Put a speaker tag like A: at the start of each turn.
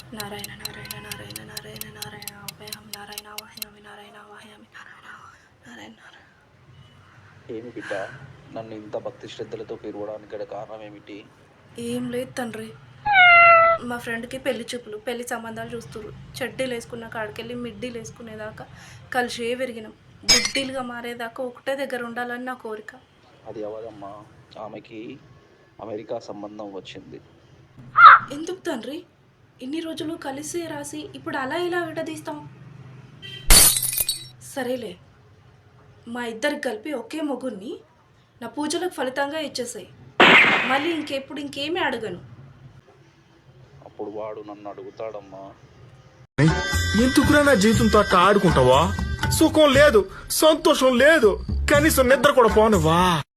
A: నారాయణ నారాయణ నారాయణ నారాయణ నారాయణ అభయం నారాయణ వాహ్యామి నారాయణ వాహ్యామి నారాయణ నారాయణ నారాయణ.
B: ఏమి బిడ్డ, నన్ను ఇంత భక్తి శ్రద్ధలతో పిలవడానికి గల కారణం ఏమిటి?
A: ఏం లేదు తండ్రి, మా ఫ్రెండ్కి పెళ్లి చూపులు, పెళ్లి సంబంధాలు చూస్తున్నారు. చెడ్డీలు వేసుకున్న కాడికెళ్ళి మిడ్డీలు వేసుకునేదాకా కలిసే విరిగినాం. గుడ్డీలుగా మారేదాకా ఒకటే దగ్గర ఉండాలని నా కోరిక.
B: అది అవదమ్మా, ఆమెకి అమెరికా సంబంధం వచ్చింది.
A: ఎందుకు తండ్రి, ఇన్ని రోజులు కలిసి రాసి ఇప్పుడు అలా ఇలా విడదీస్తాం? సరేలే, మా ఇద్దరికి కలిపి ఒకే మొగుడిని నా పూజలకు ఫలితంగా ఇచ్చేసాయి. మళ్ళీ ఇంకేమీ అడగను.
B: అప్పుడు వాడు నన్ను అడుగుతాడమ్మా.
C: ఎందుకురా నా జీవితంతో అట్లా ఆడుకుంటావా? సుఖం లేదు, సంతోషం లేదు, కనీసం నిద్ర కూడా పోనివ్వా?